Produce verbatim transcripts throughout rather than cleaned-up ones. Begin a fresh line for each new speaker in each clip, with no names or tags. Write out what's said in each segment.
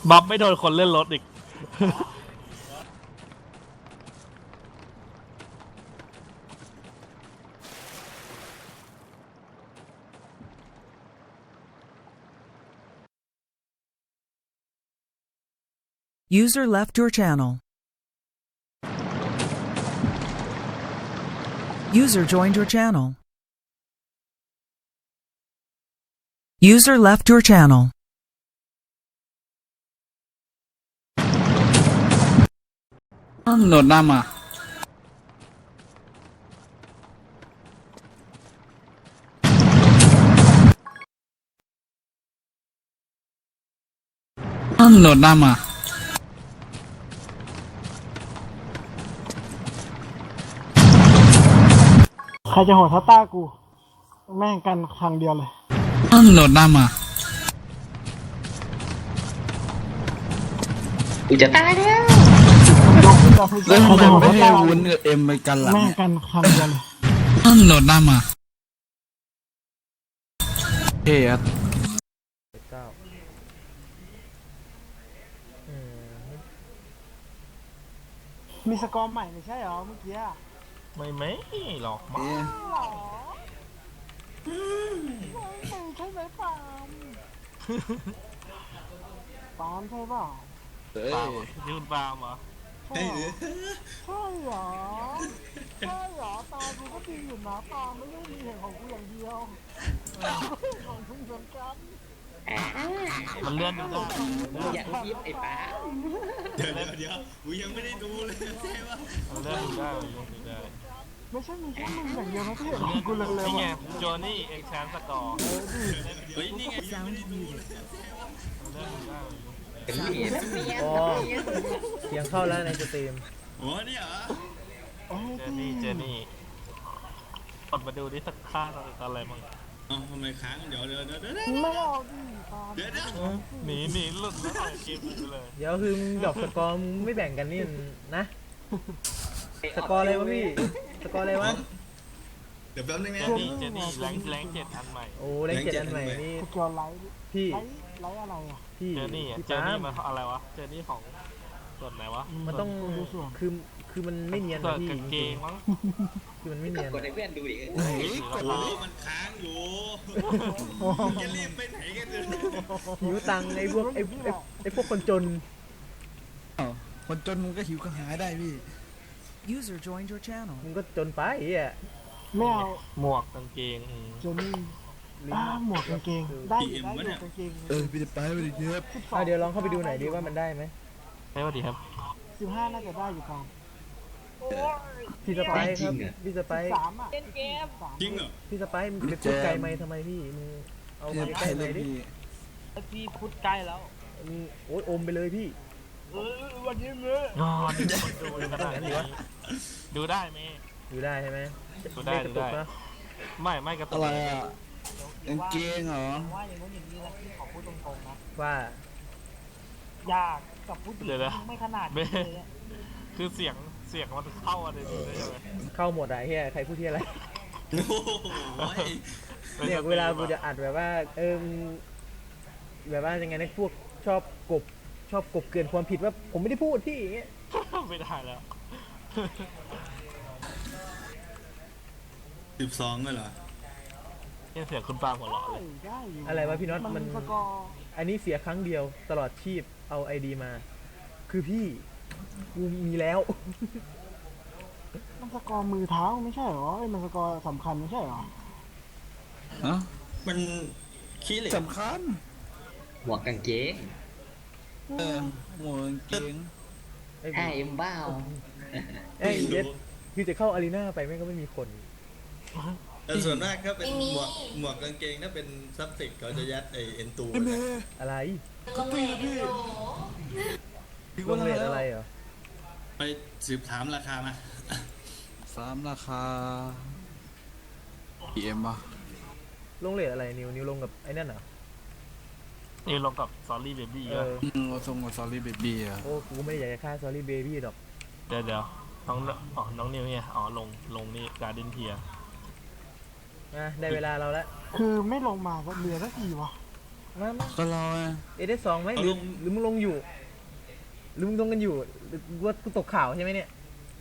บัฟไม่โดนคนเล่นรถอีก
User left your channel. User joined your channel. User left your channel.
โหนดหน้ามาโหนดหน้ามา
ใครจะโหดทัตตากูแม่งกันครั้งเดียวเลย
โหนดหน้ามา
กูจะตายแล้ว
ยกขึ้นมาพูด
แล้วทำไมไม่ให้วุ้นกับเอ็มไปกันล่ะ
แม่งกันครั้งเดียวเลย
โหนดหน้ามาเฮ้ยครับ
มีสกอร์ใหม่ไม่ใช่เหรอเมื่อกี้
ไม่ไม่หรอกมั้ง
หรอไม่ใช่ไหมปาล์มปาล์มใช่เปล่า
เอ้ย
เปล่ายืนปาล์มเหรอ
ใช่เหรอใช่เหรอใช่เหรอตากูก็ดีอยู่นะปาล์มไม่ได้มีเห็นของกูอย่างเดียวของมึงเหมือนกัน
มันเลื่อนดูได้
มึงอยากยิบไอ้ป๋า
เดี๋ยวเดี๋ยวเดี๋ยวกูยังไม่ได้ดูเลยใช่ปะ
มันเลื่อนดูได้มันเลื่อนดูได้
ไม่ใช่มีแค่มึงอย่างเดียวนะที่เห็นของกูเลยเลย
นี่ไง
ว่ะ
โจนี่เอ็กแชนสกอร์
เฮ้ยนี่ไงยังไม่ได้ดูเลย
มันเลื่อนดูได้
เป็นเมียนเมียน
อ๋อ เสียงเข้าแล้วในสตรีม
โอ้นี่เหรอ
โอ้ย
เจนี่เจนี่กดมาดูดิสักค่าอะไรมั่ง
เอ้าทำไมค้างเดี๋ยวเดี๋ยวเดี๋ยวเดี๋ยว
ไม่เอาดิปาล์ม
เดี๋ยวเดี๋ยว
หนีหนีหลุดแล้วปล่อยเกมไปเลย
เดี๋ยวคือมึงดอกสกอร์มึงไม่แบ่งกันนี่นะ สกอร์อะไรวะพี่ สกอร์อะไรวะ
เดี๋ยวแป๊บนึง
เจ
นะ
นี่เจนี่แรงแรงเจ็ดอันใหม่
โอ้เลขเจ็ดอันใหม่นี่
สกอร์ไลท์
พี่
ไลท์ไลท์อะไรอ่ะ
พี่
เจนี่อ่ะ
พี่
เจ
ปา
นี่
ล์ม
มาอะไรวะเจนี่ของส่วนไหนวะ
มันต้อง
ดูส่วน
คือ คือมันไม่เนียน
ส่ว
นะ
น
พี่
กางเกงมั้ง
คือมันไม่เนียน
กดให้เพื่อนดูดิ
เฮ้ยโอ้มันค้างอยู่จะรีบไปไหนกันเนี่ย
หิวตังค์ไอ้พวกไอ้ไอ้ไอ้พวกคนจน
อ้าวคนจนมึงก็หิวก็หาได้พี่
User joined your channel.
มึงก็จนไปไอ้เหี้ย
ไม่เอา
หมวกกางเกงอืม
เจนี่อ่าหมวกกางเกงได้อยู่ได้อยู่กางเกง
เออพี่จะไปไปดิครับ
อ่ะเดี๋ยวลองเข้าไปดูหน่อยดิว่ามันได้ไหม
ใช่ป่ะดีครับ
สิบห้าน่าจะได้อยู่ปาล์ม
พี่สไปซ์ครับ พี่สไป
สิบ
ซ์
สามอ่ะเกมสาม
จริงเหรอ
พี่สไปซ์มึงไปพูดไกลไหมทำไมพี่ มึงเอา
พี่
ไป
จะ
ใก
ไป
ล้ไห
เล
ม
ย
ดิ
พี่
พี่พูดใกล้แล้ว
มึงโอ๊ยอมไปเลยพี่
เออวันนี้เมื่อ
งอนคนดูขนาดนี้ดูได้ไหม
อยู่ได้ใช่ไหม
ดูได้
ม่กระตุก
ดูได้
นะ
ไม่ไม่กระตุ
อะ
ก
ไรอ่ะกางเกงเหรอ
ว่าอย่างนู้นอย่างนี้นะพี่ขอพูดตรงๆนะ
ว่า
ยากกับผู้หญิงไม่ขนาดนี้เลย
คือเสียงเสียงมันเข้าอะไรดีได้ยังไง
เข้าหมดอะไอ้เฮียใครพูดที่อะไร
โอ้โห
เนี่ยเวลากูจะอัดแบบว่า เออมึงแบบว่ายังไงนะพวกชอบกบชอบกบเกินความผิดว่าผมไม่ได้พูดพี่อย่างเงี้ย
ไม่ได้แล้ว
สิบสองก็เหรอ
เนี่ยเสียงคุณปาหัวเราะเลย
ได้อยู่
อะไรวะพี่น็อต
มั
มัน
นสกอร์
อันนี้เสียครั้งเดียวตลอดชีพเอาไอดีมา คือพี่กูมีแล้ว
มันสกอร์มือเท้าไม่ใช่เหรอไอ้มันสกอร์สำคัญไม่ใช่เหรอ
ฮะ
มันขี้เหล็ก
สำคัญ
หมวกกางเกง
เออหมวกกางเกง
ไอ้
ไอ้เอ็มบ้า
ไอ้เย็ดคือจะเข้าอารีนาไปแม่งก็ไม่มีคน
แต่ส่วนมากถ้าเป็นหมวกหมวกกางเกงถ้าเป็นซับสิกเขาจะยัดไอเอ็นตู
ไอ้เมย์
อะไร
ก็ตีพี่พี่
ลงเลทอะไรเหรอ
ไปสืบถามราคามา
สามราคาพีเอ็มป่ะ
ลงเลทอะไรนิวนิวลงกับไอ้นั่นเหรอ
นี่ลงกับซอรี่เบบี้
เออ
อืมเราส่งกับซอรี่เบบี้อ่ะ
โอ้กูไม่ได้อยากจะฆ่าซอรี่เบบี้ดอก
เดี๋ยวเดี๋ยวน้องอ๋อน้องนิวเนี่ยอ๋อลงลงนี่การ์เดนเทีย
นะได้เวลาเราแล้ว
คือไม่ลงมาก็เหลือสักทีวะ
มามา
ก็รอไง
เอเดสองไหมหรือหรือมึงลงอยู่หรือมึงลงกันอยู่หรือว่ากูตกข่าวใช่ไหมเนี่ย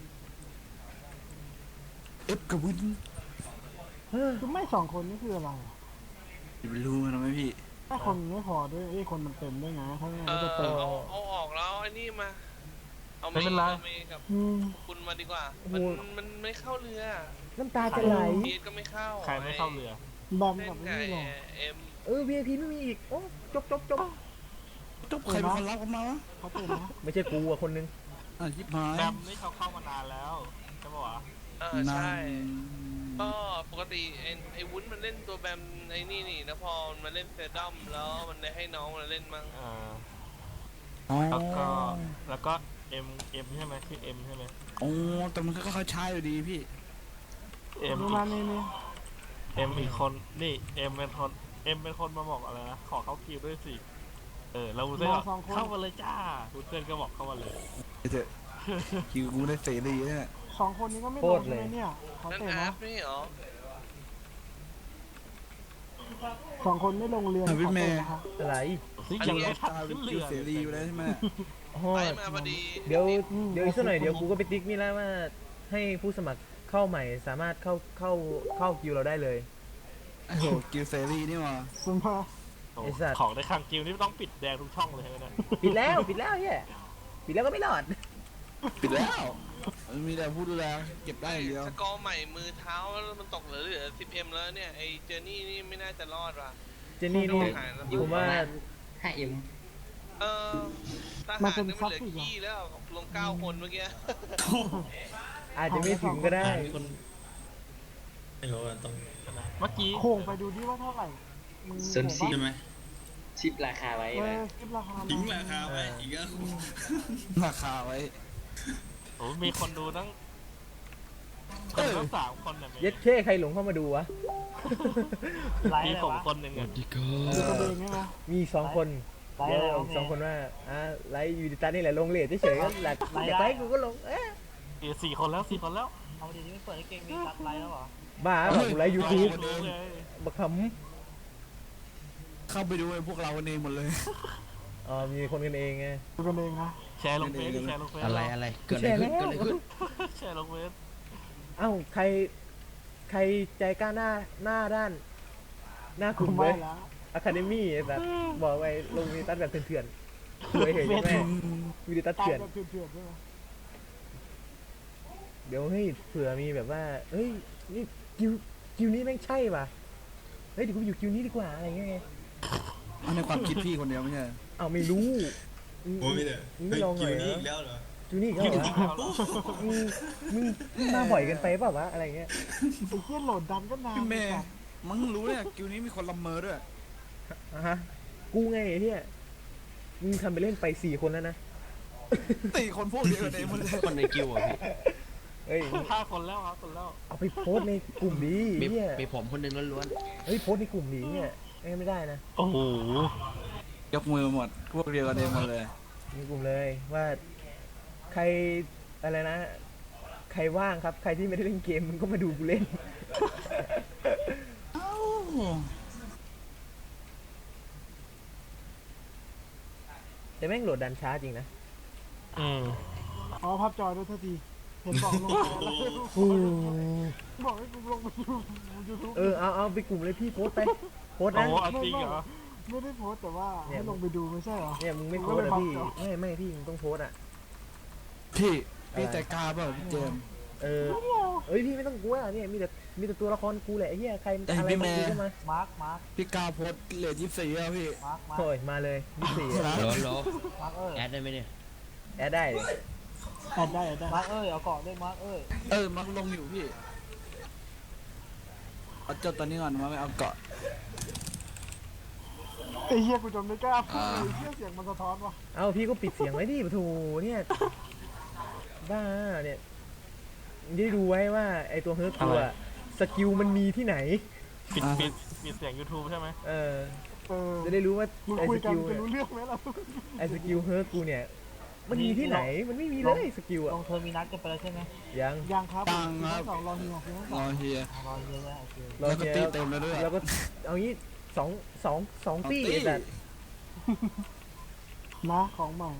เอฟกับวิน
เฮ้ย
คือไม่สองคนนี่คืออะไรอะ
อย่าไปรู้มันนะไหมพี่
ถ้าคนไม่พอด้วยไอ้คนมันเต็มด้วยไงถ้างั้น
เอ
มัน
อ
จะเต็ม
เอาเอาออกแล้วไอ้นี่มา เอา
ไม่
เม
เป็น
ย์
ไร
เอาเมย์กับ
อืม
คุณมาดีกว่า มันมันไม่เข้าเรือ
น้ำตาจะไหล
เบียดก็ไม่เข้า
ใครไม่เข้าเรือ
แบม
เล่
กับ
น
ไอ้
กับ
นี่หรอ
เอ็ม
เออ วี ไอ พี ไม่มีอีกโอ้จบจบจบ
จบใครเป็นคนรับกันมาวะ
เขาเต็มนะ
ไม่ใช่กูอะคนนึง
อ่ะยิบหาย
แบมนี่เขาเข้ามานานแล้วใช่ปะวะ
เออใช่
นาน
ก็ปกติไอ้ไอ้วุ้นมันเล่นตัวแบมไอ้นี่นี่แล้วพอมันมาเล่นเซดัมแล้วมันได้ให้น้องมันเล่นมั้ง
เออ
อ๋อ
แล้วก็แล้วก็เอ็มเอ็มใช่ไหมชื่อเอ็มใช่ไหม
โอ้แต่มันก็ค่อยๆใช้อยู่ดีพี่
เอ็ม
นี่มานี่นี่
เอ็มอีกคนนี่เอ็มเป็นคนเอ็มเป็นคนมาบอกอะไรนะขอเข้าคิวด้วยสิเออแล้ววุ้นเส้นบอกเข้ามาเลยจ้าวุ้นเส้นก็บอกเข้ามาเลย
เถอะคิวกูได้เสรีเนี่ย
สองคนนี้ก็ไม่
โค
ล
ต
ง
รเลย
ใช่ไหมเนี่ยเขา
นั่น
เต็ม
อา
นะ
ร์ฟนี่เหรอ
สองคนไม่ลงเรือ
อ่ะพี่
เขา
เม
เต็ม
ย์
นะคะ
อะไร
นี่ยังไม่ทัน
ตาเป็
ขึ้
น
น
คิ
เรื
ว
อ
เสรีอยู่แล้วใช่ไหม
โอ้
ไป
ย
มาพอดี
เดี๋ยวเดี๋ยวอีกสักหน่อยเดี๋ยวกูก็ไปติ๊กนี่แล้วว่าให้ผู้สมัครเข้าใหม่สามารถเข้าเข้าเข้าคิวเราได้เลย
โอ้โหคิวเสรีนี่หว่า
คุณมา
โอ้
ไอ้สัตว์
ของในคังกิวนี่ต้องปิดแดงทุกช่องเลยใช่ไหมเนี่ย
ปิดแล้วปิดแล้วเฮียปิดแล้วก็ไม่รอด
ปิดแล้วมันมีแต่ผู้ดูแลเก็บได้อย่างเดียว
สกอร์ใหม่มือเท้าแล้วมันตกเหลือเหลือสิบเอ็มแล้วเนี่ยไอ้เจอร์นี่นี่ไม่น่าจะรอดว่ะ
เจนนี่นี่
หายแล้ว
ผมว่า
ห้าเอ็ม
เออทหารนี่มันเหลือขี้แล้วลงเก้าคนเมื่อกี้
อาจจะไม่ถึงก็ได้
คนไม่รู้ว่าต้อง
เมื่อกี้
โค้งไปดูดิว่าเท่าไหร่มึง
ส่วน
โค้
สี่
ง
ใช่ไหม
ชิปราคาไว้
ปะเอ
นะ
อคิดราคา
ทิ้ง
มา
ราคาไว้อีกแล้ว
ราคาไว้
โอ้มีคนดูตั้งคนตั้งสามคนเนี่ย
เย็ดเช่ใครหลงเข้ามาดูวะ
มีผมคนหนึ่งอ่ะ
ดูกระเบงใช่ไหม
มีสองคนเดี๋ยวอีกสองคนว่าอ่าไลฟ์ยูดิตานี่แหละลงเลทเฉยๆก็แหละอยากไลฟ์กูก็ลงเอ๊ะ
เออสี่คนแล้วสี่คนแล้ว
เอาดีนี่ไม่เปิดให้เก่งมีซับไลน์แล้วเหรอ
บ้าแบบกูไลฟ์ยูทูบ
ดูเลย
บักข
เข้าไปดูไอ้พวกเรากันเองหมดเลย
ำอ๋อมีคนกันเองไง
ดูกันเองนะ
แชร์ลงเฟซดิแชร์ลงเฟซ
อะไรอะไรเกิด
แช
อะไร
ร์
ขึ้น
แล้ว
เกิดอะไรขึ้น
แชร์ลงเฟซ
เอ้าใครใครใจกล้าหน้าหน้าด้าน หน้ากลุ่ม
ไม่
เว้ย
แล้ว
อะคาเดมี่แบบบอกไว้ลงยูดิตัสแบบเถื่อนๆเคยเห็นใช่ไหมยูดิตัส
ตาย
เถื่อน
แบบเถื่อนๆใช่ไหม
เดี๋ยวเฮ้ยเผื่อมีแบบว่าเฮ้ยนี่คิวคิวนี้แม่งใช่ป่ะเฮ้ยเดี๋ยวกูไปอยู่คิวนี้ดีกว่าอะไรเงี้ยไง
เอาในความคิดพี่คนเดียวไม่ใช่
เอาไม่รู้
โอ้ยไม่ได้
มึงไม่ลองหน่อย
คิว
เหร
นี้
อ
อีกแล้วเหรอ
คิวนี้อีกแล้วเหรอมึงมึงมึงมาบ่อยเกันไปเปล่าวะอะไรเงี้ย
ไอ้เหี้ยโหลดดันก็นาน
พี่เมย์มึงรู้เนี่ยคิวนี้มีคนละเมอด้วย
อ่ะฮะกูไงไอ้เฮียมึงทำไปเล่นไปสี่คนแล้วนะ
ตีคนพวกเดียวกันเองหมดเลย
คนในกิวอ่ะพี่
เฮ้ย
ห้าคนแล้วครับคนแล้ว
เอาไปโพสต์ในกลุ่มดี
มี
เฮีย
มีผมคนหนึงล้วน
เฮ้ยโพสต์ในกลุ่มดีเนี่ยไม่ได้นะ
โอ้โห
ยกมือหมดพวกเดียวกันเองหมดเลย
ในกลุ่มเลยว่าใครอะไรนะ ใครว่างครับใครที่ไม่ได้เล่นเกมมึงก็มาดูกูเล่น
เอ้า
แต่แม่งโหลดดันช้าจริงนะ
อืม
อ๋อพับจอด้วยเท่าทีเห็นบอกลงไปแล้วบอกให้กูลงไปดูยูทูบ
เออเอาเอาไปกลุ่มเลยพี่โพสต์ไปโพสต์
โอ้
นะ
โหเอาจริงเหรอ
ไม่ได้โพสต์แต่ว่าให้ลงไปดูไม่ใช่เหรอ
เนี่ยมึงไม่โพสต์อะพี่ไม่ไม่พี่มึงต้องโพสต์อ่ะ
พี่พี่ใจกล้าเปล่าพี่เจมส์
เออเอ้ยพี่ไม่ต้องกลัวเนี่ยมีแต่มีแต่ตัวละครกูแหละไอ้เหี้ยใคร
แต่
อะไร
พี่
มา
แม่
กูก็มา
มาร์คมาร์ค
พี่กล้าโพสต์เลทยี่สิบสี่แล้วพี่
มาร์คมาร์ค
โอ้ยมาเลยยี่สี่
นะ
ๆโหลโหล
มาร์คเอ้ย
แอดได้ไหมเนี่ย
แอดได้เลย
แอดได้แอดได้มาร์คเอ้ยเอาเกาะด้วยมาร์คเอ้ย
เออมักลงอยู่พี่เอาจดตอนนี้ก่อนมาไม่เอาเกาะ
ไอ้เหี้ยกูจนไม่กล้าพูดเลยเหี้ยเสียงมันสะท้อนว่ะ
เอาพี่ก็ปิดเสียงไว้ดิปะโถเนี่ยบ้าเนี่ยได้ดูไว้ว่าไอตัวเฮิร์ตตัวสกิลมันมีที่ไหน
ปิดปิดปิดเสียง YouTube ใช่ไหม
เออ
เออ
จะได้รู้ว่า
มึง
ไอ
คุ
ส
ยกัน
กิล
จะรู้เรื่องไหมล่ะ
ไอสกิลเฮิร์ตกูเนี่ยมันมีที่ไหนมันไม่มีเลยสกิล
ล
อะ
งเทอร์มินัสกันไปแล้วใช่ไหม
ยัง
ยังครับ
ตังครับ
สองรอเฮียคือทั้งส
ร
อง
อเฮีย
รอเฮียแล้วโอเค
รอ
แล้วก็
เฮีย
ตีเต็มแล้วด้วย
แล้วก็เอางี้สองสองสองปีไอ้สัตว์
นะของใหม่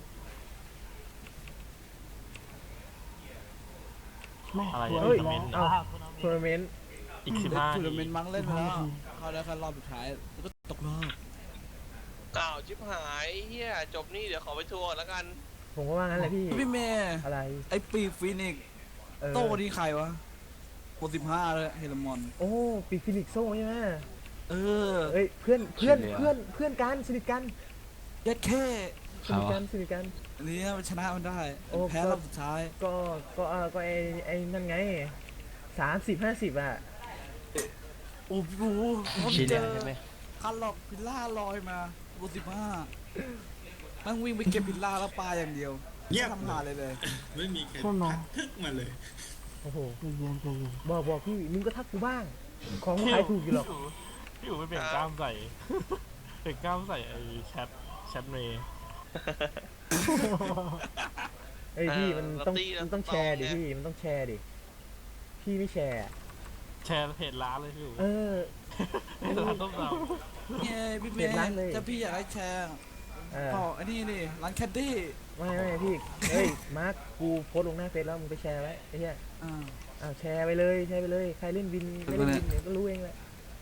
แม่
อะไร
สวย
เฮ้ย
อีกแล้ว
เอ้า
ทัวร์นาเมนต์
อีกสิบห้า
ทัวร์นาเมนต์มั้งเล่นไปแล้วเข้าได้แค่รอบสุดท้ายแล้วก็ตกรอบ
อ้าวชิบหายเฮียจบนี่เดี๋ยวขอไปทัวร์ก่อนแล้วกัน
ผมก็ว่างั้นแหละพี่
พี่เมย์
อะไร
ไอ้ปีกฟีนิกซ์
เออ
โต้นี่ใครวะโปรสิบห้าเลยเฮลมอน
โอ้ปีกฟินิกซ์โซ่ใช่ไหม
เออ
เอ้ยเพื่อนเพื่อนเพื่อนเพื่อนกันสนิทกัน
ยัดแค่
สนิทกันสนิทกัน
อันนี้มันชนะมันได้
โอ้
แพ้รอบสุดท้าย
ก็ก็เออก็ไอ้ไอ้นั่นไงสามสิบห้าสิบอ่ะ
โอ้โห
ชิน
เจ
เนี่ย
อ
ใช่ไหม
คันหลอกพิลล่าลอยมาโปรสิบห้านั่งวิ่งไปเก็บพิลล่าแล้วปลาอย่างเดียว
เงียบ
ไม่ทำหาเลยเลย
ไม่มีใคร
ใช่ไหม
ทักทึกมาเลย
โอ้โห
ใจเย็นใจเย็น
บอกบอกพี่มึงก็ทักกูบ้าง ของขายถูกอยู่หรอก
พี่อู๋ไปเปลี่ยนกล้ามใส่ เปลี่ยนกล้ามใส่ไอ้แชทแชทเมย์
เอ้ยพี่มันต้อง
เราตี
มันต้อง
เรา
แชร์ดิ
ตองไง
พี่มันต้องแชร์ดิพี่ไม่แชร์อะ
แชร์เพจร้านเลยพี่อู๋
เออ
เพจร้านต้มย
เนี่ยพี่เม
เปลี่ยน
ย์
ร้านเลย
ถ้าพี่อยากให้แชร์
เออ
อ๋ออันนี้นี่ร้านแคดดี้
ไม่ไม่พี่เฮ้ยมาร์คกูโพสต์ลงหน้าเฟซแล้วมึงไปแชร์ไว้ไอ้เหี้ย
อ่า
อ้าวแชร์ไปเลยแชร์ไปเลยใครเล่นวินไม่เล่นวินเดี๋ยวก็รู้เองแหละ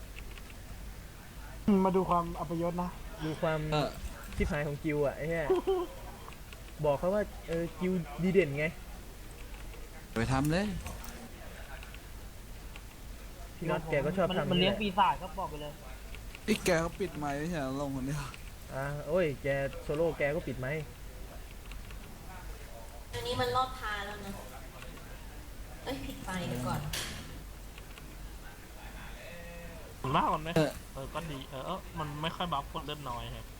มาดูความอัปยศนะ
ดูความ
เออ
ชิบหายของกิวอ่ะไอ้เหี้ยบอกเขาว่าเออกิวดีเด่นไง
ไปทำเลย
พี่น็อตแกก็ชอบทำ
มันเลี้ยง
แหะ
ปีศาจก็บอกไปเลย
ไอ้แกเขาปิดไมค์ไม่ใช่เหรอลงคนเดียว
อ่าโอ้ยแกโซโล่แกก็ปิดไหมค์
อันนี้มันรอบทาแล้วนะ เอ้ยผิดไปเดี๋ยวก่อน
ผมว่ามันไม่เออก็ดีเออเออมันไม่ค่อยบัฟคนเล่นน้อยครับ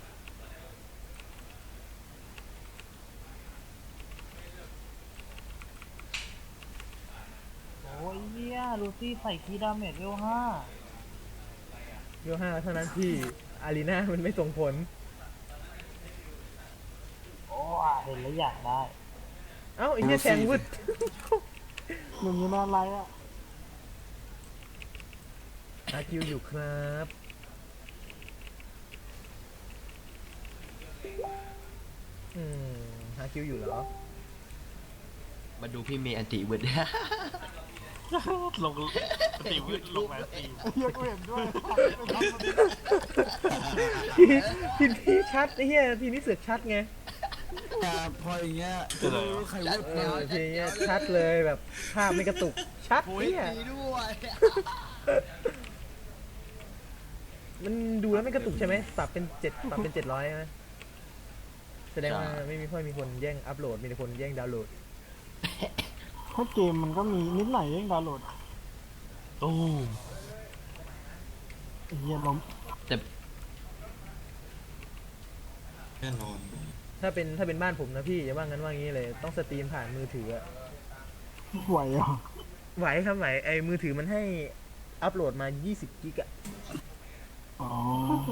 โอ้ยเหี้ยลูซี่ใส่คีย์ดาเมจเวลห้า
โยห้าเท่านั้นที่อารีนามันไม่ส่งผล
โอ้อ่ะเห็นแล้วอยากได้
เอ้าไอ้เหี้ยแทงวึด
หนึ่งอยู่นานไรอ่ะ
อาคิวอยู่ครับอืมหาคิวอยู่เหรอ
มาดูพี่เมย์อันติเวิร์ด
ลงสตรีมลงไลฟ์สตรีม
เฮียกูเห็นด้วย
ทีทีนี้ชัดไอ้เหี้ยทีนี้เสือกชัดไง
แต่พออย่างเงี้ยจะรู้ใครวุ้
เออทีนี้ชัดเลยแบบภาพไม่กระตุกชัดเนี่ย
ด้วย
มันดูแล้วไม่กระตุกใช่ไหมปรับเป็นเจ็ดปรับเป็นเจ็ดร้อยใช่ไหมแสดงว่าไม่มีค่อยมีคนแย่งอัพโหลดมีแต่คนแย่งดาวน์โหลด
ถ้าเกมมันก็มีนิดหน่อยเองดาวน์โหลด
ตู้ม
ไอ้เฮียล้ม
แต่
แน่นอน
ถ้าเป็นถ้าเป็นบ้านผมนะพี่อย่าว่างั้นว่างี้เลยต้องสตรีมผ่านมือถืออะ
ไหวอ่ะ
ไหวครับไหวไอ้มือถือมันให้อัพโหลดมายี่สิบกิกอะ
อ๋อ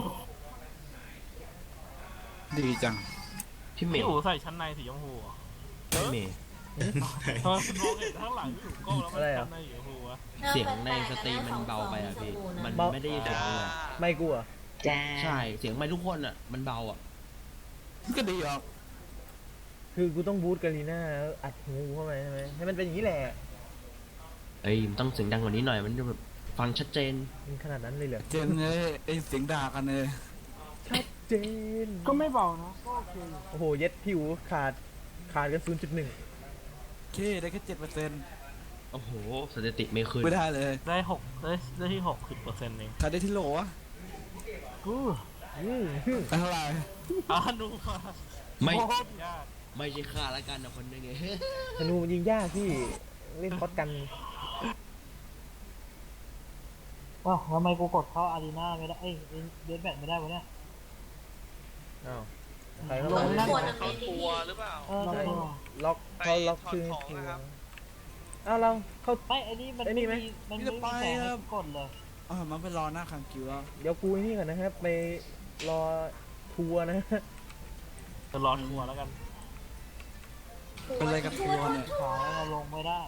ดีจัง
พี่เม
พี่
ย์
อู๋ใส่ชั้นในสีชมพูเหรอ
พี่เมย์
ทำไมคุณมองเห็นข้างหลังพี่อู๋ก้มแล้วมันชั้นในสีชมพูวะ
เสียงในสตรีมมันเบาไปอ่ะพี่ มันไม่ได้ยินเสียงเลย
ไม่กลัว
จ้าใช่ เสียงไม่ทุกคนอ่ะ มันเบาอ่ะ
ก็ดีออก
คือกูต้องบูทกาลีน่าแล้วอัดหูเข้าไปใช่ไหมให้มันเป็นอย่างนี้แหละ
เอ้ยมันต้องเสียงดังกว่านี้หน่อย มันจะแบบฟังชัดเจน
มันขนาดนั้นเลยเหรอ
เจนเลยไอ้เสียงด่ากันเลย
ชัดเจน
ก็ไม่เบานะก็โอเคอยู่
โอ้โหเย็ดผิวขาดขาดกัน ศูนย์จุดหนึ่ง
เคได้แค่เจ็ดเปอร์เซ็นต์
โอ้โห สถิติไม่ขึ้น
ไม่ได้เลย
ได้หกได้ได้ที่หกสิบเปอร์เซ็นต์เอง
ใครได้ที่โหลวะ
กู
อืม
ได้เท่าไหร่
อ่านูมา
ไม่
โคตรยาก
ไม่ใช่ค่าละกันนะคนนึงไง
ธนูมันยิงยากพี่เล่นคอสกัน
ว้าวทำไมกูกดเข้าอารีนาไม่ได้เอ้ยเดนแบทไม่ได้วะเนี่ย
อ้าวใครเขา
ล
ล็อง ก
นั่น
เขาทัวร์หรือเปล่า
เออ
ใช่
เออ
ล็อกเขาล็อกชื่อ
ไปถอดของนะครับ
อ้าวเราเขา
ไม่ไอ้นี่มัน
ไอ้นี่ไหม
มันไม่มีแสงให้กดเลย
อ๋อมันไปรอหน้าคังคิวแล้ว
เดี๋ยวกูไอ้นี่ก่อนนะครับ ไปรอทัวร์นะ
จะรอทัวร์แล้วกัน
เป็นอะไรกับทัวร์เนี่ย
ขาเราลงไม่ได้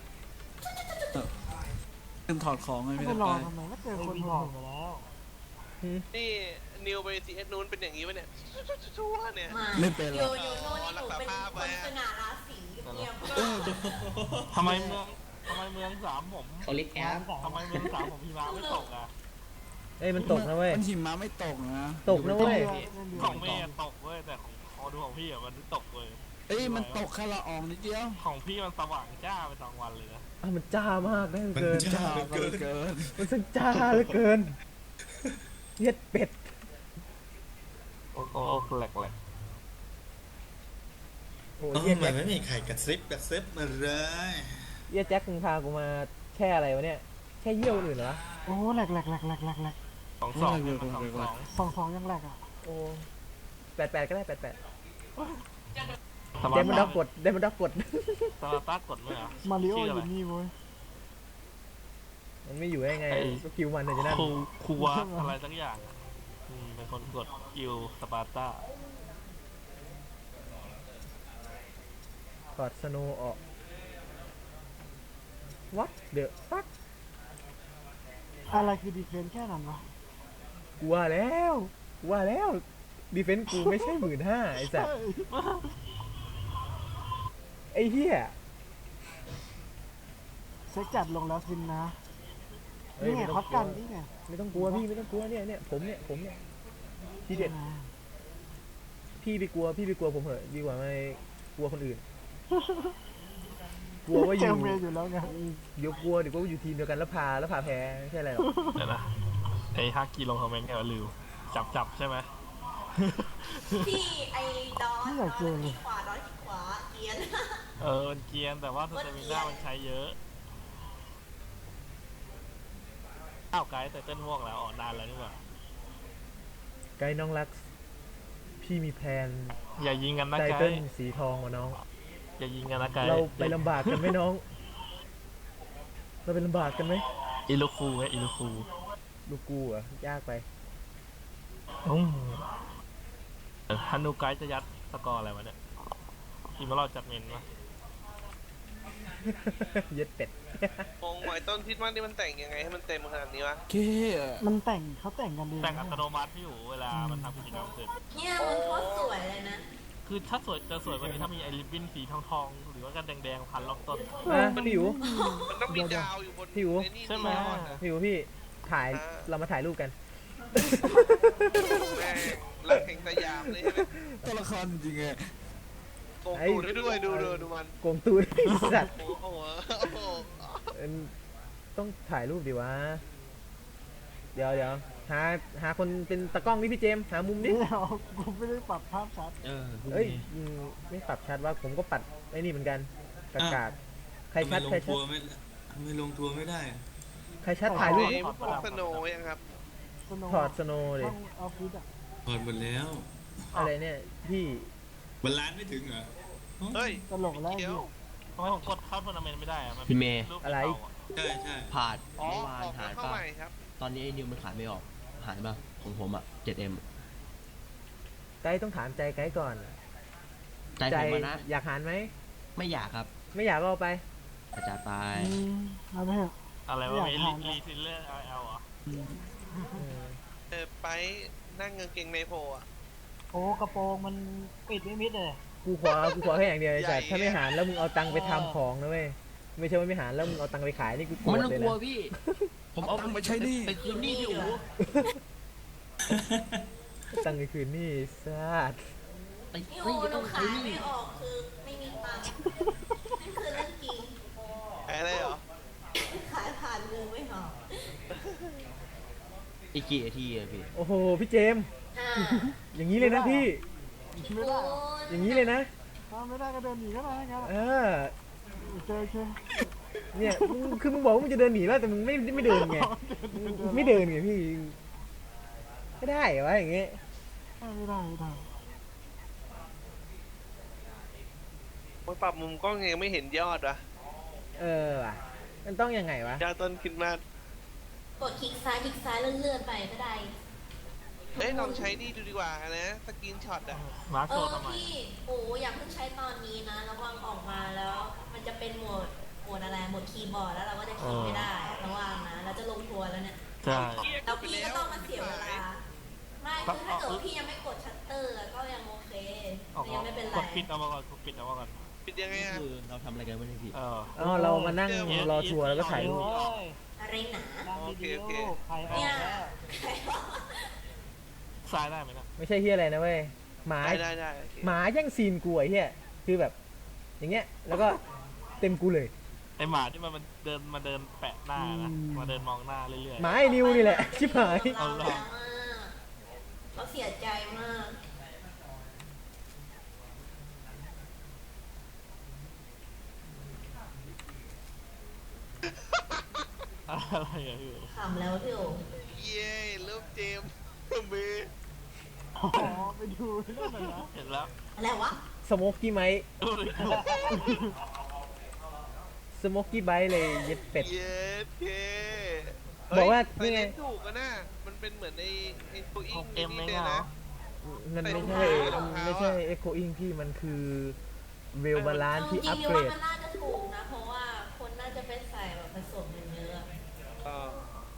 ขึ้นถอดของไง
ไม่
พี่
ไป
ตะ
รอ
ไป
ทำไมไม่เจอคนถอดไปแล้ว
นี่นิวไปซีเอสนู้นเป็นอย่างนี้วะเนี่ยชั่วเนี่ย
ไม่เป็นหร
โย
อก
โย่โน่นนี่หนูเป็นคนสง่าราศีเงียบ
ทำไมเมืองทำไมเมืองสามผม
เขาเรียกแอป
ทำไมเมืองสามผมพี่มาไม่ตกอ่ะ
เอ้ยมันตกนะเว้ย
มันหิมะไม่ตกนะ
ตกนะเว้ย
ของเมย์ตกเว้ยแต่ของพอดูของพี่อ่ะมันไม่ตกเลย
เอ้ยมันตกแค่ละอองนิดเดียว
ของพี่มันสว่างจ้าไปตอนวันเลยนะ
อ่ะมันจ้ามากนะ
มัน
เกิน
จ้า
จ้า
เหลือ
เห
เกิ
ลื
น
อเกิน
มันสังจ้าเหลือเกินเย็ดเป็ด
โอ้โอ้แหลกแหลก
โอ้
โอ้
เย็ด
มั
แจ็
น
ค
ไม่มีใครกระซิบกระซิบมาเลย
เย็ดแจ็คมึงพากูมาแช่อะไรวะเนี่ยแช่เยี่ยวคนอื่นเหรอ
โอ้แหลกแหลกแหลกแหลกแหลกแหลก
สองสองมันสองสอง
สองสองยังแหลกอ่ะ
โอ้แปดแปดก็ได้แปดแปด
ส
เดมอนด็อกกดเดมอนด็อกกด
สมาร์ต้ากดไหมอ่ะ
มาริโอ
ชื่
อ
อะไร
ยู่นี่เว้ย
มันไม่อยู่ได้ไง
ไอ้
ก็คิวมันเลยจะนั่น
ครูครูวาอะไรสักอย่างอะอืมเป็นคนกดกิลสปาร์ต้า
ถอดสโนว์ออก what the fuck
อะไรคือดีเฟนแค่นั้นวะ
กูว่าแล้วกูว่าแล้วดีเฟนซ์กูไม่ใช่หมื่นห้าไอ้สัสไอ้เหี้ย
เซ็กจัดลงแล้วสินนะ
เอ้ย
นี่ไง
ไม่
ฮ
ต้
อ
อ
ต
งก
กั
ลั
น
ว
นี่ไง
ไม่ต้องกลัวพี่ไม่ต้องกลัวเนี่ยเนี่ยผมเนี่ยผมเนี่ยทีเด็ดพี่ไปกลัวพี่ไปกลัวผมเหอะดีกว่าไม่กลัวคนอื่น กลัวว่าอ
เจ
ยู่
อเมย์อยู่แล้วไง
เดี๋ยวกลัวเดี๋ยวก็อยู่ทีมเดียวกันแล้วพาแล้วพาแพ้ไม่ใช่อะไรหรอก
เดี๋ยวนะไอ้ฮักกี้ลงคอมเมนต์แกลืมจับจับใช่ไหม
พี่ไอ้ดอนดอนที่ขวาดอนที่ขวาเกียน
เออมันเกรียนแต่ว่าสเตมิน่ามันใช้เยอะอ้าวไกด์แต่เต้นม่วงแล้วอ๋อนานแล้วนี่หว่า
ไกด์น้องรัก พี่มีแพลน
อย่ายิงกันนะ
ไต
ไก
เติ้ล
ด์
สีทองวะน้อง
อย่ายิงกันนะไกด์
เราไปลำบากกันไหมน้อง เราไปลำบากกันไหม
อิลูคูไงอิลูคู
ลูกกูเหรอยากไป
อืมเออฮันนูไกด์จะยัดสกอร์อะไรวะเนี่ยทีมเราจัดเมนวะ
เย็ดเป็ด
มองหมายต้นทิศมันนี่มันแต่งยังไงให้มันเต็มขนาดนี้วะ
เค
มันแต่งเขาแต่งกันเอง
แต่งอัตโนมัติพี่อยู่เวลามันทำกิจกรรมเสร็จ
เนี่ยมันโคตรสวยเลยนะ
คือถ้าสวยจะสวยกว่านี้ถ้ามีไอริบบิ้นสีทองทองๆหรือว่ากันแดงๆพันรอบต้น
นะพี่อยู่
มันต้องมีดาวอยู่บน
พี่อู๋
ไอ้นี่
ใช่ไหม
นีออนอะ
พี่อยู่พี่ถ่าย
อ่า
เรามาถ่ายรูปกัน
แม่งรักแห่งสยามเลยใช่ไหม
ตัวละครจริงไง
โกงตูดให้ด้วยดูดูดูมัน
โกงตูดไอ้สัตว์
โอ้โหโอ้โห
เอิ่มต้องถ่ายรูปดิวะ เดี๋ยวเดี๋ยวหาหาคนเป็นตากล้องนี่พี่เจมส์หามุมนี้
เดี๋ยวกูไม่ได้ปรับภาพชัด
เออ
เอ้ยอืมไม่ปรับชัดว่าผมก็ปัดไอ้นี่เหมือนกันกากาดใครชัด
ทำ
ใคร
ไมลง
ชั
ทั
ด
วร์ไม่ทำไมลงทัวร์ไม่ได้
ใครชัดถ่ายรูป
ไอ้
ดิ
พวกสโนว์ยังครับ
สโนว์
ถอดสโนว์ดิ
ห้องออฟฟิศอ่ะ
เปิดหมดแล้ว
อะไรเนี่ยพี่
วันล้านไม่ถึงเหรอ
เฮ้ย
ตลกแล้ว
เดี๋ยว
ทำไมผมกดเข้าทัวร์นาเมนต์ไม่ได้อะมัน
พี่เมย์
รูป
อะไร
เก่าอะ
ใช่ใช่
ผ่าน
อ๋อ
เมื่อวาน
ออก
หาย
เข้า
ป่ะ
ใหม่ครับ
ตอนนี้ไอ้นิวมันขายไม่ออก หายป่ะของผมอ่ะ เจ็ดเอ็ม
ไกด์ต้องถามใจไกด์ก่อน
ใจผมอะนะ
อยากหารไหม
ไม่อยากครับ
ไม่อยากก็เอาไป
อาจารย์ไป
อืมเอาไปเถอะ
อะไร
ไม่
วะ
อยาก
มี
ทาน
รีซิลเลอร์ไอเอลเหรอ
อืม
เออไปนั่งเงินเกงในโพอ่ะ
โอ้กระโปรงมันปิดไม่มิดเลย
กูขอกูขอแค่อย่างเดียวไอ้สัตว์
ใหญ่
ถ้าไม่หารแล้วมึงเอาตังค์ไปทำของนะเว้ยไม่ใช่ว่าไม่หารแล้วมึงเอาตังค์ไปขายนี่กูโกร
มัน
ธ
ต้อง
เลย
กลัว
นะ
พี่ ผมเอา
เอาไปใช้หนี้
ไปคืนหนี้พี่อู๋
ตังค์ไปคืนนี่สัตว์
ไป
พี่
ไม่
โอ้หนู
ต้อง
ขา
คื
ย
นห
ไม่
นี้
ออกคือไม่มีตังค์นั่นคือเรื่องจริง
อะไรเหรอ
ขายผ่านมือไม่ออก
อีกกี่นาทีอะพี่
โอ้โหพี่เจมส์
อ่า
อย่างนี้เลยนะพี่
ไม่ได้
อย่างนี้เลยนะ
ถ้าไม่ได้ก็เดินหนีก็ได้งั้น
เออ
เจอเจอ
เนี่ยมึงคือมึงบอกว่ามึงจะเดินหนีแล้วแต่มึงไม่ไม่เดินไงมึงไม่เดินไงพี่ไม่ได้เหรอวะอย่างเงี้ย
ไม่ได้ไม่ได้
มันปรับมุมกล้องยังไม่เห็นยอดวะ
เออว่ะมันต้องยังไงวะ
ยอดต้นคิดมาก
กดคลิกซ้ายคลิกซ้ายเลื่อนๆไปก็ได้
เอ้ยลองใช้นี่ดูดีกว่านะสกรีนช็อตอ่ะ
มาร์ค
เอ
โช
อ
ว์ทำไม
พี่โอ้อย่าเพิ่งใช้ตอนนี้นะระวังออกมาแล้ว มันจะเป็นโหมดโหมดอะไรโหมดคีย์บอร์ดแล้วเราก็จะคลิกไม่ได้ระวังนะเราจะลงทัวร์แล้วเนี่ย
คใช่
เครียด
แล้ว
ไป
พี่
แล้
ก็
ว
ต้องมาเสียเวลาไม่คือถ้าเกิดว่าพี่ยังไม่กดชัตเตอร์ก็ยังโอเค
ออก
ยังไม่เป็นไร
กดปิดเอามาก่อนกดปิดเอามาก่อน
ปิดยังไงอ่ะ
คือเราทำอะไรกันไม่ได้พี่
เออ
อ๋อเรามานั่งรอทัวร์แล้วก็ถ่ายรูป
อะไรหนา
โอเคโอเค
ใครออก
เนี่ย
แล้ว
ซ้ายได้ไหมนะ
ไม่ใช่เฮียอะไรนะเว้ยหมา
ได้ได้ได้โอเค
หมาแย่งซีนกูไอ้เฮียคือแบบ อย่างเงี้ยแล้วก็เต็มกูเลย
ไอหมาที่มันมันเดินมาเดินแปะหน้านะมาเดินมองหน้าเรื่อย
หมาไอ้นิวนี่แหละชิบหาย
เราแล้วอะเขาเสียใจมาก
ๆอะไรอะพี่
ขำแล้วพี่โอ๋
เย้เริ่มเจมส์มือ
อ๋อไปดูเรื่องหน่อยนะ
เห็นแล้ว
อะไรวะ
สโมกกี้ไมค์
ดูดิ
สโมกกี้ไบท์เลยเย็ดเป็ด
เย้เท่
บอกว่า
เฮ้ย
นี่ไง
ใส่เลนส์ถูกอะนะมันเป็นเหมือนในไอ้ตัวอิ
ของ งเอ็มไหม
นี่
เหร
นะ
อ
มันไม่
ใส่
ใช่
รองเท้า
ไม่ใช่เอ็กโคอิงพี่มันคือเวลบาลานที่
จริ
อั
ง
ป
ๆ
เกร
ว่า
ด
มันน่าจะถูกนะ เพราะว่าคนน่าจะไปใส่แบบผสมกันเยอะ
เออ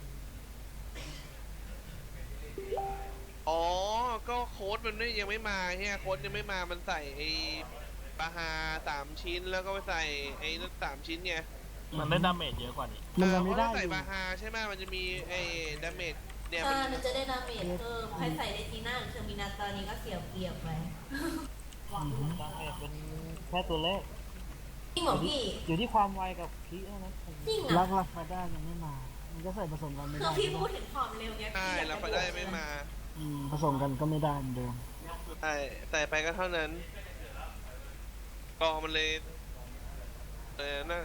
อ๋อ ก็โค้ดมันไม่ยังไม่มาเฮียโค้ดยังไม่มา มันใส่ไอ้ปลาฮาสามชิ้นแล้วก็ไปใส่ไอ้นั่นสามชิ้นไง
มันได้ดาเมจเยอะกว่านี้
มันยังไม่ได้
เพราะถ้า
อ
ใส่
ยู่
ปลาฮาใช่ไหมมันจะมีไอ้ดาเมจเนี่ย
ใช่
มัน
มันจะได้ดาเมจเพิ่ม ใครใส่ในทีน่าหรือเทอร์มินาตอนนี้ก็เสียเปรียบไป
ดาเมจเป็นแค่ตัวเลข
จริงเหรอพี่
อยู่ที่ความไวกับพีเท่านั้น
จริง
รั
อ่ะ
กรักมาได้ยังไม่มา มันก็ใส่ผสมกันไม่
คือ
ได้
พี่พูดถึงความเร็วเนี่ย
ใช่แล้วก็ได้ไม่มา
อืมผสมกันก็ไม่ได้เหมือนเดิม
ใช่ใส่ไปก็เท่านั้นกอมันเลยเออน่ะ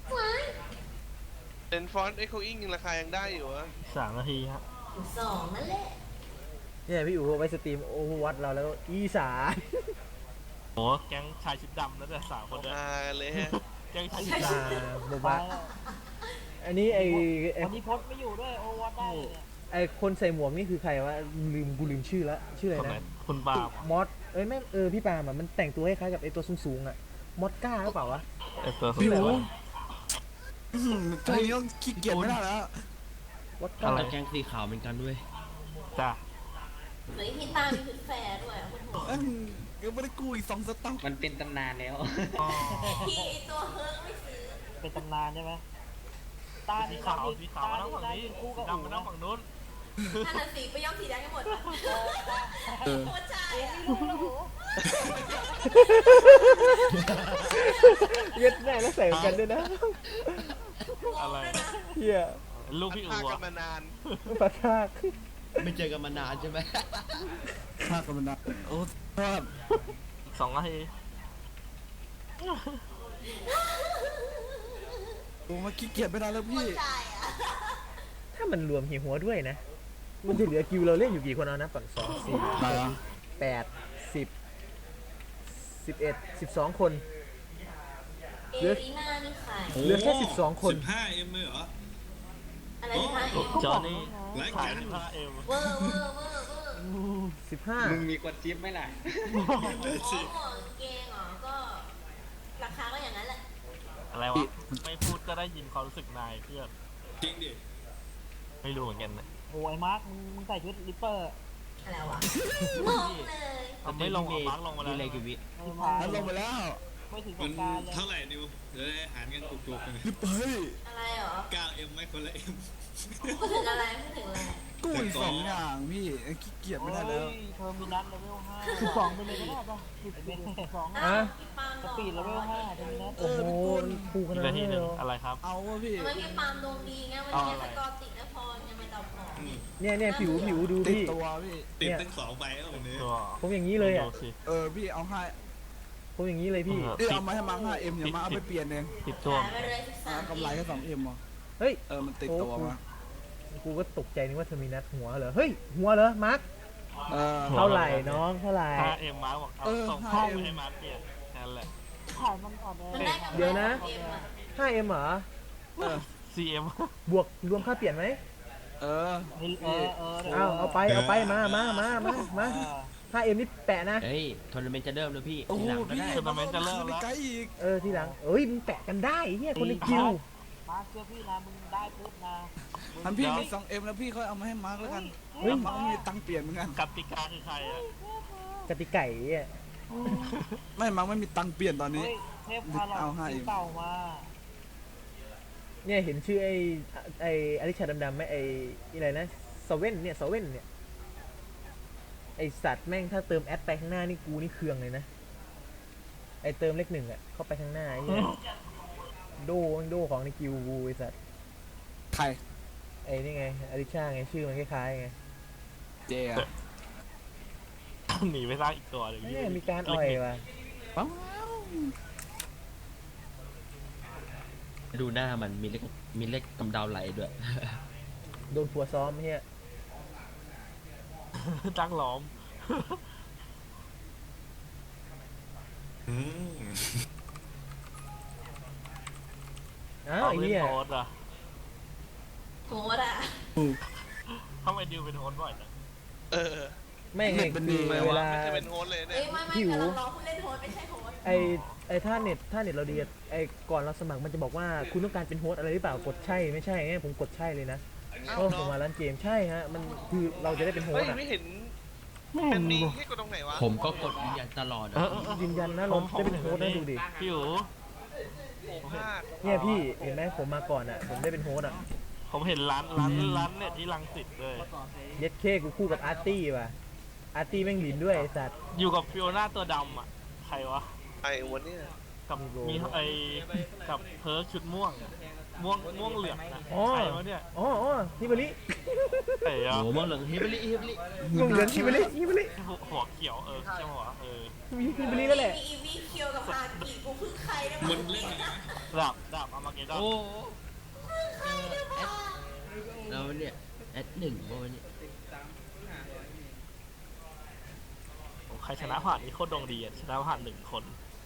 เป็นฟอนต์เอ็กโคอิงยังราคายังได้อยู่อะ
สามนาทีครับ
อยู่สองนั่นแหละ
เนี่ยพี่อู๋เอาไปสตรีมโอเวอร์วัตเราแล้วอีสาน
โอ้แก๊งชายชุดดำแล้วแต่สามคนด้วย
มาเลยฮะ
แก๊งชาย
อี
ชุดด
สานบอก
ไป
ว่า
แล้ว
อันนี้ไอไอ
วันนี้พดไม่อยู่ด้วยโอวัตได้เลยเนี่ย
ไอคนใส่หมวกนี่คือใครวะลืมกูลืมชื่อละชื่อ
ำ
อะ
คน
ไร
ไหน
นะ
คุณปาล์ม
มอสเอ้ยไม่เออพี่ปาล์มอะมันแต่งตัวคล้ายๆกับไอตัวสูงๆอะมอสก้าหรือเปล่าวะ
ไอตัวสุด
พี่
ส
โอ๋
วย
อื้อหือตัวนี้ต้องขี้เกียจไม่ได้แล้ว
มอสก้า
อะไร
แกงสีขาวเหมือนกันด้วย
จ้า
เหมือนพี่ตามีชุดแฟร์ด้วยอ่ะคุณโห
เอ้ยยังไม่ได้กู้อีกสองสต็อก
มันเป็นตำนานแล้ว
พี่ไอตัวเฮิร์กไม่ซื้อ
เป็นตำนานใช่ไหมตา
สี
ที่
ขาวสีขาวมานั่งฝั่งนี้
คู่กับ
ดำมานั่งฝั่งนู้น
ท่านน่ะสีไปย่อมสีแดงกันหมดปะโคตรใจอ่ะ
เย็ดแน่แล้วใส่เหมือนกันด้วยนะ
อะไร
เฮีย
ลูกพี่
พา
อู๋
กั
อะ
นมานาน
ปะทาก
ไม่เจอกันมานานใช่ไหม
ภาคกันมันนะโอ้ชอบ
สองนาที
โอ้มาขี้เกียจไม่ได้แล้ว
โค
พี่
ตรใจอ่ะ
ถ้ามันรวมเฮียหัวด้วยนะ มันจะเหลือคิวเราเล่นอยู่กี่คนเอานะฝั่งสองสี่
มาแล้ว
แปดสิบสิบเอ็ดสิบสองคน
เอรีน่านี่ใคร
เหลือแค่สิบสองคน
สิบห้าเอ็มเลยเหรอ
อะไรที่ท่าเอ็ม
จอห์นนี่
ราย
ขา
กาย ร
สิบห้าเอ็ม
เวอร์เวอร์เวอร์เวอร์
สิบห้า
มึงมีกดจิ๊บไหมล่ะ
อ๋อหมวกกางเกงเหรอก็ราคาก็อย่างนั้นแหละ
อะไรวะ ไม่พูดก็ได้ยินความรู้สึกนายเพื่อน
จริงดิ
ไม่รู้เหมือนกันนะ
โอ้ยมาร์คมึงมึงใส่ชุดลิปเปอร์
อะไรวะงงเลย
เอาไม่ลงหรอมาร์กลงมาแล้ว
มีอะไรกี่วิ
เออมา
นั้นลงไปแล้ว
ไม่ถึงส
มั
ง
น
กรารเลย
เท่าไหร่นิวเดี๋ยวได้หารกันจุกๆกัน
รีบไป
อะไรเหรอ
เก้าเอ็มไหมคนละเอ็ม
พูดถึงอะไรพูดถึงอะไร
กู้อีกสองอย่างพี่ขี้เกียจไม่ได้แล้ว
โอ้ยเทอร์มินัสเลเวลห้าสิบสองไปเลยก็ได้ป่ะสิบเป็นสอง
อ้าวพี่ปาล์ม
ส
หรอ
ปีดเลเวลห้าเทอร์มินัส
เอ
โอ้
อ
โห
พี่กู้
ปูข
อีก
นาด
นาที
นี้
ห
เล
นึ่
ย
ง
เหรอ
อะไรครับ
เอาวะพี่
ทำไมพี่ปาล์มดวงดีไงวันนี้สกอร์ติดแล้วพอยังไม่ตอบของ
เนี่ยเนี่ยผิวผิวดู
ติด
พี่
ตัวพี่
ติดตั้งสองใบแล้ววันนี้
ตัว
ผมอย่างนี้เลยอ่ะ
ดูสิ
เออพี่เอาให้
ผมอย่างนี้เลยพี่
เออ
เอ้ยเอามาให้มาห้าเอ็มอย่ามาเอาไปเปลี่ยนเอง
ติดตัว
หายไปเลยสิบสา
อ่าม กำไรแค่สองเอ็มอ่ะ
เฮ้ย
เออมันติดตัวมา
กูก็ตกใจนึกว่าเทอร์มินัสหัวเหรอ เฮ้ย หัวเหรอ มาร์ค
เออ
เท่าไหร่น้องเท่าไหร่
ห้าเอ็มมาร์กบอกเอา
เออ
ส่ง
ห้า
ข้อ
เอ็ม
มูลให้มาร์กเปลี่ยนแค่นั้นแหละ
ขายมันอ่อนแอ
มันได้กำไร
เดี๋ยวนะ
เอ็มอะ
ห้าเอ็มเหรอ
ซีเอ็ม
บวกรวมค่าเปลี่ยนไหม
เออ
เออเออ
เอาเอาไปเอาไปมามามามามาห้าเอ็มนี่แปะนะ
เฮ้ยทัวร์นาเมนต์จะเริ่มแล้วพี่
โอ้
ที
โห
หลังก็
พี่
ได้
ทัวร์นาเมนต์จะเริ่มแล้ว
ไกลอีก
เออทีหลัง เอ้ยมึงแปะกันได้เฮียคนในคิว
มาเชื่อพี่นะมึงได้ปุ๊บนะ
ทันพี่มีสองเอ็มแล้วพี่ค่อยเอามาให้มาร์คแล้วกัน
เฮ้ย
มาร์คมีตังค์เปลี่ยนเหมือนกัน
กติกาคือใครอ่ะ
กติไก่อ่ะ
ไม่มาร์คไม่มีตังค์เปลี่ยนตอนนี้
เทพพา
เอา
เรา
ให้
เต่ามา
เนี่ยเห็นชื่อไอ้ไอ้อลิชาดำๆไหมไอ้อะไรนะสเว่นเนี่ยสเว่นเนี่ยไอสัตว์แม่งถ้าเติมแอดไปข้างหน้านี่กูนี่เคืองเลยนะไอเติมเลขหนึ่งอ่ะเข้าไปข้างหน้าไอ้เหี้ยโดมันโดของในกิวกูไอสัตว์
ใคร
ไอ้นี่ไงอลิชาไงชื่อมันคล้ายๆไง
เจอะ
หนีไปสร้างอีกตัวหนึ่ง
เนี่ยมีการอ่อยว่ะ
ว้าว
ดูหน้ามันมีเล็กมีเล็กกำเดาไหลด้วย
โดนผัวซ้อมเฮีย
ตั้งล้อม
อืม
อ้าว
เอา
ไอ้
เล่น
เหี้ย
โฮสต์อ่ะ
โหดอ่ะ
ทำไมดิวเป็นโฮสต์บ่อยจัง
เออ
แม่งไงคือเวลา
ไม่ใช่เป็นโฮสต์เลย
เอ้
เนี่ย
ยไม่ไม่
หิว
กำลังรอผู้เล่นโฮสต์ไม่ใช่โฮสต์
ไอไอถ้าเน็ตถ้าเน็ตเราดีอะไอก่อนเราสมัครมันจะบอกว่าคุณต้องการเป็นโฮสต์อะไรหรือเปล่ากดใช่ไม่ใช่ไงผมกดใช่เลยนะ
อ้า
เพ
ว
ราะ
เหร
ผม
อ
มาร้านเกมใช่ฮะมันคือเราจะได้เป็นโฮส
เฮ้ย
ต์อะ
ไม่เห็น
ไม่
มั
เห็
น
น
มี
ดู
ให้กดตรงไหนวะ
ผมก็กดยืนยันตลอดอะ
เออเออเออ
ยืนยันนะเราได้เป็นโฮสต์นะดูดิ
พี่อู๋
โอ้พลาด
เนี่ยพี่เห็นไหมผมมาก่อนอ่ะผมได้เป็นโฮสต์อ่ะ
ผมเห็นร้านร้านร้านเนี่ยที่รังสิตเลย
เย็ดเคกูคู่กับอาร์ตี้ว่ะอาร์ตี้แม่งหลินด้วยไอสัตว์
อยู่กับฟิโอน่าตัวดำอ่ะ ใครวะ
ไอ้วันเนี้ย
กับ
มีโบ
มีไอกับเพิร์กชุดม่วง ม่วงม่วงเหลืองนะ
อ๋อ
ใครวะเนี่ย
อ๋ออ๋อฮิบาริ
ไอ้อะ
โอ้โหมองเหลืองฮิบลิฮิบลิ
งงเหลืองฮิบาริฮิบาริ
หัวเขียวเออใช่ไหมวะเออ
มีฮิบาริแล้วแหละ
มีอีวีเคียวกับฮากิกูเพึ่งใครได้
มั
บ้าน ง
เล่นอะไรนะ
ดาบดาบอามาเกดอน
โอ้แล้วเนี่ยแอดหนึ่งโอ้ยเนี่ย
ใครชนะผ่านนี่โคตรดวงดีอ่ะชนะผ่านหนึ่งคน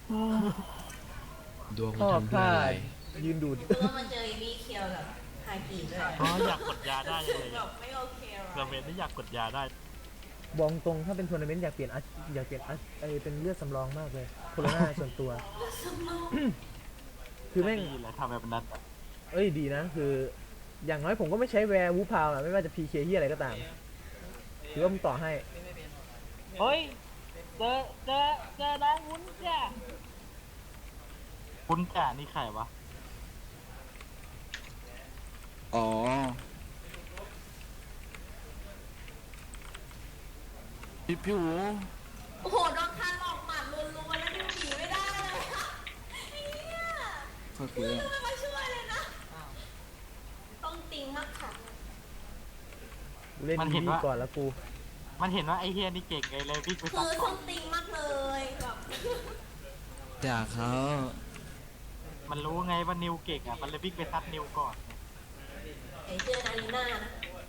ดวง
ชอบ
ทำด้วย
ท่า
อะไร
ยืนดูด
คือว่ามาเจออีวีเคียวกับฮากิด้วย
อ๋ออยากกดยาได้ยังเลย
แบบไม่โอเค
กระเมนที่อยากกดยาได้
บอกตรงถ้าเป็นทัวร์นาเมนต์อยากเปลี่ยนอัชอยากเปลี่ยนอัชไอเป็นเลือดสำรองมากเลยโคโรนาส่วนตัว คือแม่ง
ดีเลยทำแบบนั้นอะ
เอ้ยดีนะ คือ อย่างน้อยผมก็ไม่ใช้แวร์วูพาวอะไม่ว่าจะพีเคที่อะไรก็ตามถือว่ามึงต่อให้
เฮ้ยเจอเจอเจอน้องวุ้นจ้ะ
คุณจ่านี่ใครวะ
อ๋อพี่พี่หู
โอ้โหโดนคาหลอกหมัดรัวๆแล้วดิวหนีไม่ได้เลยอะเนี่ย
โอเค
มึงไม่มาช่วยเลยนะ ต้องติงมากค่ะ
กูเล่นดีก่อนแล้วกู
มันเห็นว่าไอเฮียนี่เก่งไงเลยวิ่งไป
คื
ซับ
อ
ก่
ต้
อ
อน งติงมากเลยแบบ
จากเขา
มันรู้ไงว่านิวเก่งอ่ะมันเลยวิ่งไปซัดนิวก่อน
ไอ้เจอนาลีน่านะ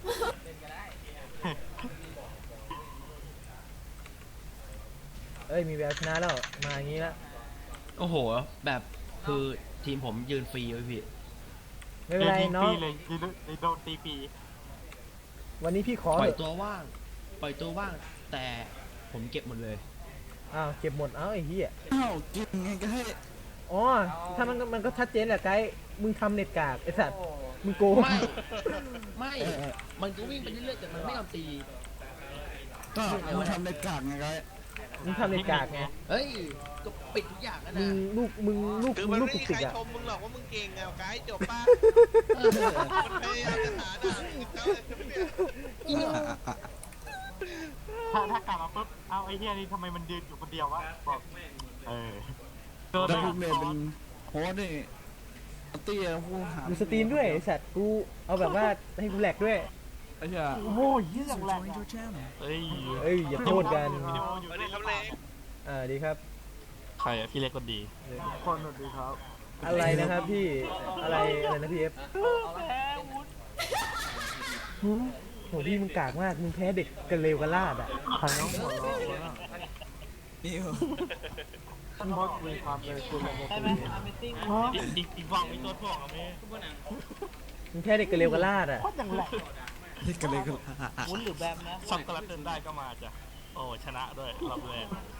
เอ้ยมีแววชนะแล้วมาอย่างนี้แล้ว
โอ้โห แบบคือทีมผมยืนฟรีไว้พี่
ไม่เป็นไร
ยิง
น้อ
ปี
ง
เลยยิงเลยโดนตีปี
วันนี้พี่ขอ
ปล่
เถ
อย
อะ
ตัวว่าง ปล่อยตัวว่าง แต่ผมเก็บหมดเลย
อ้าวเก็บหมดเอ้าไอ้เหี้ย
อ้าวกินไงก็ให้
อ๋อถ้ามันก็มันก็ชัดเจนแหละไกด์มึงทำเน็ตกากไอ้สัตว์มึงโกง
ไม่ ไม่ มันก็วิ่งไปเรื่อยๆแต่มันไม่ยอมตี
ก็มาทำในกากไงก็
มึงทำเน็ตกากไง
เฮ้ย ก็ปิดทุกอย่างแล้ว
มึ
นะ
งลูกมึงลูก
คือ
มึ
มั
ง
น
ลูก
ไม่
ตุก
มี
ติ
ใคร
กอะ
ชมมึงหรอกว่ามึงเก่งไงไกด์จบป่ะ
เออ
มันพยายามจะหาด่ามึงเขาเนี่ย
ถ้าถ้ากลับมาปุ๊บเอาไอเฮียนี่ทำไมมันยืนอยู่คนเดียววะบอกเออโดน
แล้ว
ไป
พี่เมย์เป็นโฮสต์นี่เตี้ยผู้หา
ดูสตรีมด้วยไอ้สัตว์กูเอาแบบว่าให้กูแหลกด้วย
ไอ้เหี้ย
โอ้โหเยี่ย
User
งแรง
joined your channel.
เอ้ย
เอ้ยอย่าโทษกัน
วิดีโออยู่
สวัสดีครับเล็ก
อ่าดีครับ
ใครอะพี่เล็กคนดี
คนสวัสดีครับ
อะไรนะครับพี่อะไรอะไรนะพี่เอฟ
แพ้วุ้น
โหพี่มึงกากมากมึงแพ้เด็กกันเลวกันลาดอ่ะ
ใครน้องหัวเราะวะ
นี่เหรอ
ท่านบอสมีความเป็นคุณระบบใช่ไหม Amazing
อีกอีกอีกฝั่งมีตัวถ่วงอะเม่
มึงแพ้เด็กกันเลวกันลาดอ่ะ
โคตรอย่างแหลก
นี่กันเลยก็
วุ้นหรือแบมนะ
ช็อกโกแลตเดินได้ก็มาจ้ะโอ้ชนะด้วยรอบแรก